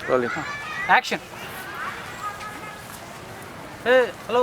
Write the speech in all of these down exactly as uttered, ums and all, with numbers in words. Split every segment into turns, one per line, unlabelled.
Rolling
action. ఏ hello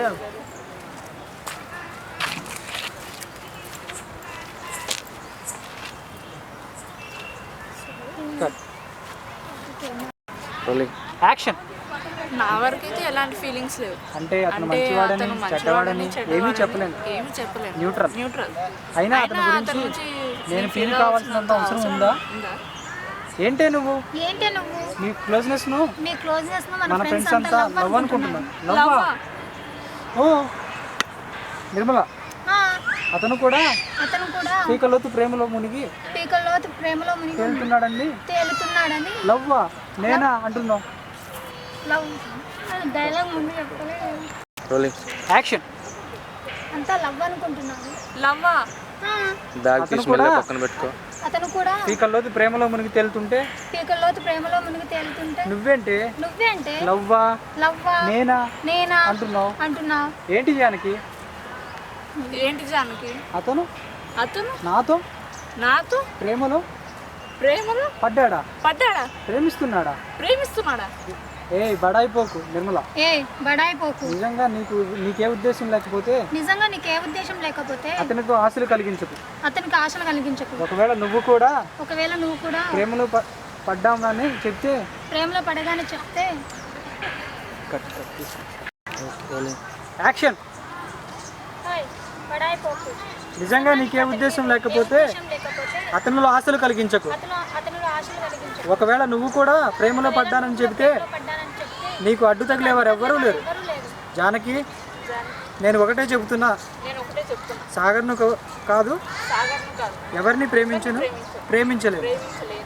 rolling
action.
నా వరకు అయితే ఎలాంటి ఫీలింగ్స్ లేవు.
అంటే అతను
అంటే
మంచివాడని
అతను
చెడ్డవాడని
మంచివాడని
ఏమీ
చెడ్డవాడని
చెప్పలేను.
ఏమీ చెప్పలేను.
న్యూట్రల్.
న్యూట్రల్.
అయినా
అయినా
అతని
అతని
గురించి
గురించి
నేను
నీకు
ఫీల్
feel
కావాల్సినంత అవసరం
అవసరం
ఉందా?
ఉందా?
ఏంటే నువ్వు
ఏంటే నువ్వు
నీ క్లోజ్నెస్ ను
మీ క్లోజ్నెస్ ను
మన
మన
ఫ్రెండ్స్
ఫ్రెండ్స్
అంతా
అంతా
లవ్ అనుకుంటున్నాను.
లవ్
లవ్వా? ఓ నిర్మల, అతను కూడా
అతను కూడా
పీకలోతు ప్రేమలో మునిగి
పీకల్లో ప్రేమలో మునిగి
తేలుతున్నాడండి.
తేలుతున్నాడని
లవ్వా నేనా అంటున్నావు?
లవ్ డైలాగ్ ముందు చెప్పలే.
Rolling
action.
అంతా లవ్ అనుకుంటున్నాను.
లవ్వా?
ఆ,
బ్యాగ్
అతను
తీసి
కూడా-
మెల్ల పక్కన పెట్టుకో.
అతను కూడా
పీకల్లోతు ప్రేమలో మునిగి తేలుతుంటే
పీకల్లో ప్రేమలో మునిగి తేలుతుంటే
నువ్వేంటి
నువ్వేంటే
లవ్వా
లవ్వా
నేనా
నేనా
అంటున్నావు?
అంటున్నావు.
ఏంటి జానకి?
ఏంటి జానకి?
అతను
అతను
నాతో
నాతో
ప్రేమలో
ప్రేమలో
పడ్డాడా?
పడ్డాడా?
ప్రేమిస్తున్నాడా?
ప్రేమిస్తున్నాడా?
ఏ బడాయిపోకు నిర్మల.
ఏ బడాయిపోకు.
నిజంగా నీకు నీకే ఉద్దేశం లేకపోతే
నిజంగా నీకు ఏ ఉద్దేశం లేకపోతే
అతనితో ఆశలు కలిగించకు.
అతనికి ఆశలు కలిగించకు.
ఒకవేళ నువ్వు కూడా
ఒకవేళ నువ్వు కూడా
ప్రేమలో ప- పడ్డామని చెప్తే
ప్రేమలో పడగానే చెప్తే
కట్ కట్ తీసుకో.
Rolling
action.
బడాయిపోకు.
నిజంగా నీకే ఉద్దేశం లేకపోతే
ఉద్దేశం లేకపోతే
అతనిలో ఆశలు కలిగించకు.
అతను అతనిలో ఆశలు కలిగించకు.
ఒకవేళ నువ్వు కూడా ప్రేమలో పడ్డానని చెబితే
పడ్డానని చెప్తే
నీకు అడ్డు తగిలేవారు ఎవ్వరూ లేరు.
ఎవరు లేదు.
జానకి, నేను ఒకటే చెబుతున్నా,
నేను ఒకటే చెప్తున్నా,
సాగర్ను కా- కాదు
సాగర్ను కాదు
ఎవరిని ప్రేమించను ప్రేమించలేదు.
ప్రేమించలేదు.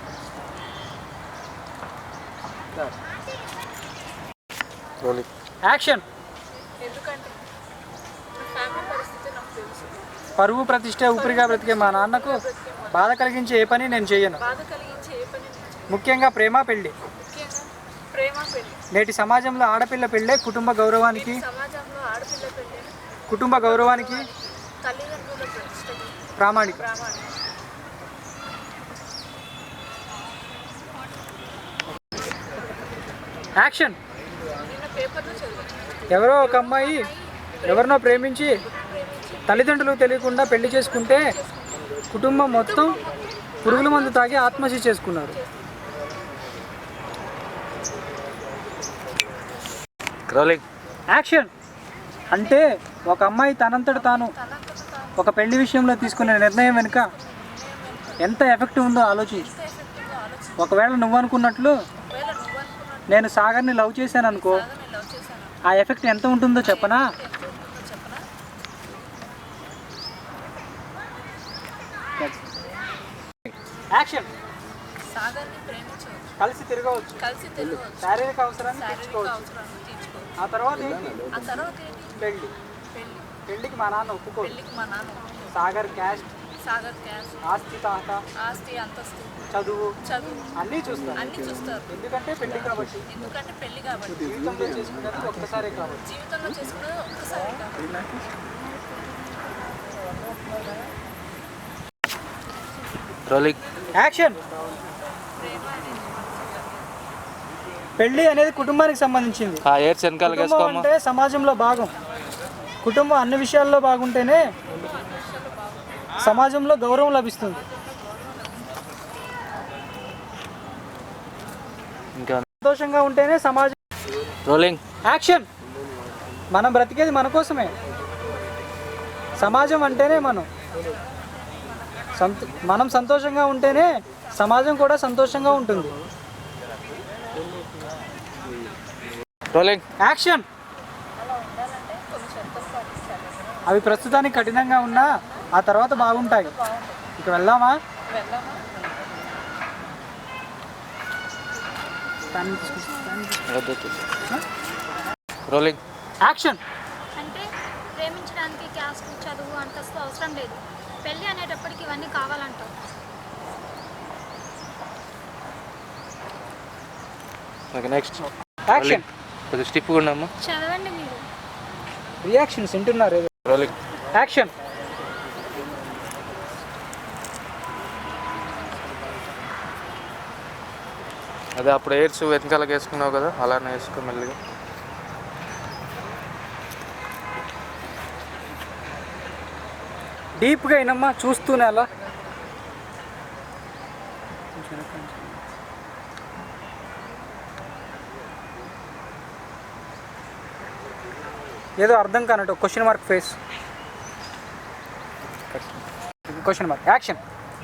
Rolling
action.
ఎందుకంటే నా ఫ్యామిలీ పరిస్థితి నాకు తెలుసు.
పరువు ప్రతిష్ట ఊపిరిగా బ్రతికే మా నాన్నకు బాధ కలిగించే ఏ పని నేను చేయను.
బాధ కలిగించే ఏ పని నేను చేయను.
ముఖ్యంగా ప్రేమ పెళ్లి.
ముఖ్యంగా ప్రేమ పెళ్లి.
నేటి సమాజంలో ఆడపిల్ల పెళ్ళే కుటుంబ గౌరవానికి
సమాజంలో ఆడపిల్ల పెళ్లి
కుటుంబ గౌరవానికి
తల్లిదండ్రుల ప్రతిష్టకు
ప్రామాణిక.
ప్రామాణికం.
యాక్షన్.
నిన్న పేపర్లో చదివాను.
ఎవరో ఒక అమ్మాయి ఎవరినో ప్రేమించి తల్లిదండ్రులకు తెలియకుండా పెళ్లి చేసుకుంటే కుటుంబం మొత్తం పురుగుల మందు తాగి ఆత్మహత్య చేసుకున్నారు.
Rolling
action. అంటే ఒక అమ్మాయి తనంతట తాను ఒక పెళ్లి విషయంలో తీసుకునే నిర్ణయం వెనుక ఎంత ఎఫెక్ట్ ఉందో ఆలోచించు. ఒకవేళ నువ్వు అనుకున్నట్లు
ఒకవేళ నువ్వు అనుకున్నట్టు
నేను సాగర్ని లవ్ చేశాను అనుకో,
నేను లవ్ చేశాను
ఆ ఎఫెక్ట్ ఎంత ఉంటుందో చెప్పనా?
ఎంత ఉంటుందో చెప్పనా?
యాక్షన్.
సాగర్ని ప్రేమించవచ్చు,
కలిసి తిరగవచ్చు,
కలిసి తిరగవచ్చు,
శారీరక అవసరాన్ని
శారీరక
తీర్చుకోవచ్చు.
అవసరాలను తీర్చుకోవచ్చు.
ఆ తర్వాత ఏంటి?
ఆ తర్వాత ఏంటి?
పెళ్లి.
పెళ్లి.
పెళ్లికి మా నాన్న ఒప్పుకోడు.
పెళ్లికి మా నాన్న ఒప్పుకోడు.
సాగర్ క్యాస్ట్,
సాగర్ క్యాస్ట్,
ఆస్తి, తాత,
ఆస్తి, అంతస్తు,
చదువు
చదువు
అన్నీ చూస్తారు.
అన్నీ చూస్తారు.
ఎందుకంటే పెళ్లి కాబట్టి.
ఎందుకంటే పెళ్లి కాబట్టి.
జీవితంలో చేసుకునేది ఒక్కసారే కాబట్టి.
జీవితంలో చేసుకునేది ఒక్కసారి కాబట్టి.
Rolling
action. పెళ్లి అనేది కుటుంబానికి సంబంధించింది.
ఆ ఎయిర్స్ వెనకాల
కుటుంబం
వేసుకోమ్మా.
అంటే సమాజంలో భాగం. కుటుంబం అన్ని విషయాల్లో బాగుంటేనే సమాజంలో గౌరవం లభిస్తుంది.
ఇంకా
సంతోషంగా ఉంటేనే సమాజం.
Rolling
action. మనం బ్రతికేది మన కోసమే. సమాజం అంటేనే మనం సంతో మనం సంతోషంగా ఉంటేనే సమాజం కూడా సంతోషంగా ఉంటుంది.
Rolling
action. అవి ప్రస్తుతానికి కఠినంగా ఉన్నా ఆ తర్వాత బాగుంటాయి. ఇక వెళ్దామా?
వెళ్దామా?
Rolling
action.
అంటే ప్రేమించడానికి క్యాస్ట్, చదువు, అంతస్తు అవసరం లేదు. పెళ్ళి అనేటప్పటికి ఇవన్నీ కావాలంటావు.
Okay next.
యాక్షన్.
కొంచెం స్టిప్ కూడా అమ్మా.
చదవండి మీరు.
రియాక్షన్స్ వింటున్నారు.
Rolling
action.
అదే అప్పుడు ఎయిర్స్ వెనకాలకి వేసుకున్నావు కదా, అలానే వేసుకో మెల్లిగా.
డీప్గా అయినమ్మా, చూస్తూనే అలా. ఏదో అర్థం కానట్టు question mark face. Question mark action.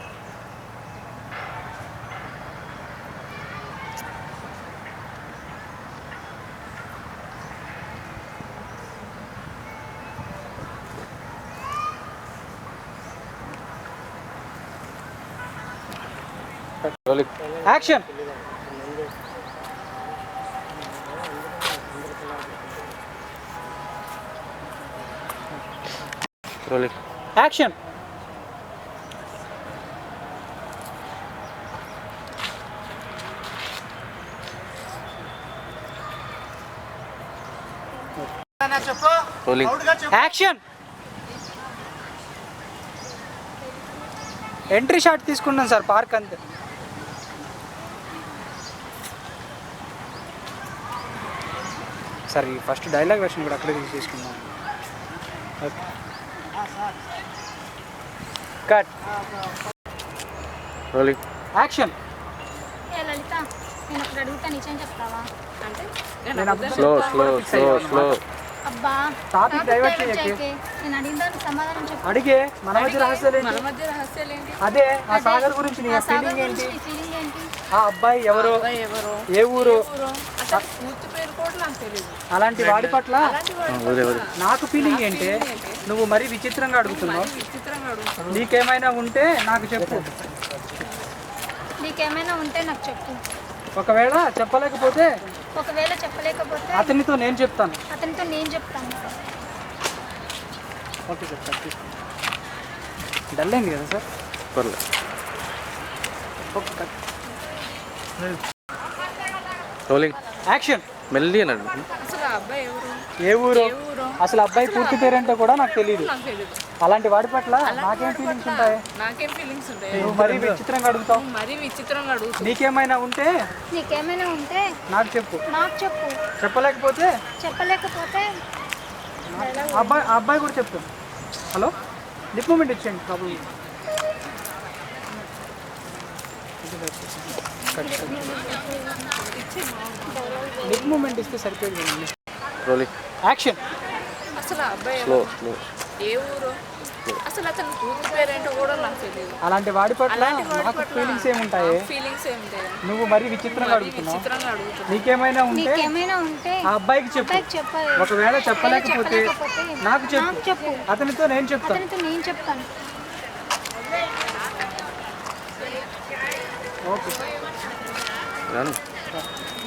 Rolling
action.
Rolling
action.
Rolling
action. Entry shot తీసుకున్నాను సార్, పార్క్ అంతే. సార్ ఈ ఫస్ట్ డైలాగ్ వెర్షన్ కూడా అక్కడే తీసుకున్నాను. Okay cut.
Rolling
action.
ఏ లలిత, నేను ఒకటి అడుగుతా, నిజం చెప్తావా?
అంటే
నేను అప్పుడు
స్లో స్లో స్లో స్లో
అబ్బా
Topic
topic
divert
divert
చేయకే.
చేయకే. నేను అడిగిన దానికి సమాధానం చెప్పు.
అడిగే మన మధ్య రహస్యాలు
మన
ఏంటి?
మధ్య రహస్యాలు ఏంటి?
అదే ఆ సాగర్ గురించి నీ
ఆ సాగర్
ఫీలింగ్
గురించి
ఏంటి?
నీ ఫీలింగ్ ఏంటి?
ఆ అబ్బాయి ఎవరు,
అబ్బాయి ఎవరో,
ఏ ఊరు,
ఊరో, అతని పూర్తి పేరు కూడా నాకు తెలియదు.
అలాంటి వాడి పట్ల
అలాంటి వాడు
వదిలే వదిలే
నాకు ఫీలింగ్ ఏంటి? నువ్వు మరీ విచిత్రంగా అడుగుతున్నావు.
విచిత్రంగా అడుగుతాడు.
నీకేమైనా ఉంటే నాకు చెప్పు.
నీకేమైనా ఉంటే నాకు చెప్పు.
ఒకవేళ చెప్పలేకపోతే
ఒకవేళ చెప్పలేకపోతే
అతనితో నేను చెప్తాను.
అతనితో నేను చెప్తాను.
ఓకే సార్, సార్ తీసుకోండి. డల్ అయింది కదా సార్.
పర్లేదు.
Okay cut.
Rolling
action.
మెల్లి అన్నాడు.
అసలు ఆ అబ్బాయి ఎవరు,
ఏ ఊరు,
ఏ ఊరో
అసలు అబ్బాయి పూర్తి పేరేంటో కూడా నాకు తెలియదు.
నాకు తెలియదు.
అలాంటి వాడి పట్ల నాకేం ఫీలింగ్స్ ఉంటాయి?
నాకేం ఫీలింగ్స్ ఉంటాయి?
నువ్వు మరీ విచిత్రంగా అడుగుతావు.
మరీ విచిత్రంగా అడుగుతుంది.
నీకేమైనా ఉంటే
నీకేమైనా ఉంటే
నాకు చెప్పు.
నాకు చెప్పు.
చెప్పలేకపోతే
చెప్పలేకపోతే
ఆ అబ్బాయి ఆ అబ్బాయి కూడా చెప్తాను. హలో, లిప్ మూమెంట్ ఇచ్చేయండి ప్రాబ్లం. లిప్ మూమెంట్ ఇస్తే సరిపోయింది కదండి.
Rolling
action.
అసలు ఆ అబ్బాయి
స్లో
ఎవరు,
స్లో
ఏ ఊరో, అసలు అతని పూర్తి పేరు ఏంటో కూడా నాకు తెలియదు.
అలాంటి వాడి పట్ల
అలాంటి వాడి
నాకు
పట్ల
ఫీలింగ్స్ ఏముంటాయి?
ఫీలింగ్స్ ఏముంటాయి?
నువ్వు మరీ విచిత్రంగా అడుగుతున్నావు.
విచిత్రంగా అడుగుతుంది.
నీకేమైనా ఉంటే
నీకేమైనా ఉంటే
ఆ అబ్బాయికి చెప్పు.
అబ్బాయికి చెప్పాలి.
ఒకవేళ చెప్పలేకపోతే
చెప్పలేకపోతే
నాకు చెప్పు.
నాకు చెప్పు.
అతనితో నేను చెప్తాను.
అతనితో నేను చెప్తాను.
ఓకే
రాను.